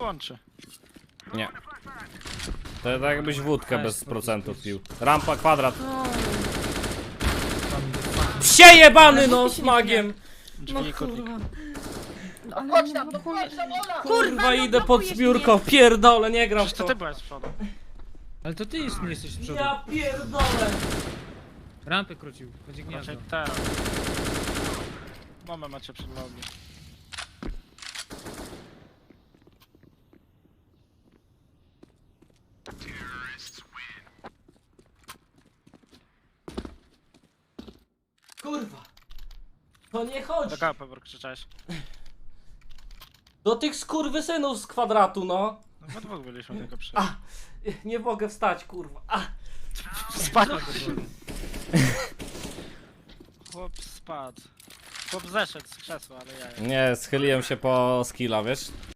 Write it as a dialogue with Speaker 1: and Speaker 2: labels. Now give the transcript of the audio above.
Speaker 1: kończy.
Speaker 2: Nie. To tak jakbyś wódkę bez procentów pił. Rampa, kwadrat. Psie jebany no z magiem!
Speaker 1: Drzwi i kurnik.
Speaker 3: Ale
Speaker 4: Chodź
Speaker 3: nie
Speaker 4: tam, no
Speaker 3: blokujesz
Speaker 4: chodź tam,
Speaker 3: mnie.
Speaker 4: Ola!
Speaker 2: Kurwa idę pod
Speaker 3: blokujesz
Speaker 2: zbiórką, pierdolę, nie gram w
Speaker 1: Przecież to
Speaker 2: to.
Speaker 1: ty byłeś z przodu.
Speaker 5: Ale to ty nie jesteś z przodu.
Speaker 2: Ja pierdolę.
Speaker 5: Rampę krócił, będzie gniazdo.
Speaker 1: Raczej teraz. Mamy macie przed nogi.
Speaker 2: Kurwa. To nie chodzi.
Speaker 1: Do kapy krzyczałeś.
Speaker 2: Do tych skurwysynów z kwadratu, no.
Speaker 1: No we dwóch byliśmy tylko przy...
Speaker 2: A, nie mogę wstać, kurwa. A,
Speaker 1: Spadł. Chłop spadł. Chłop zeszedł z krzesła, ale ja...
Speaker 2: nie, schyliłem się po skilla, wiesz?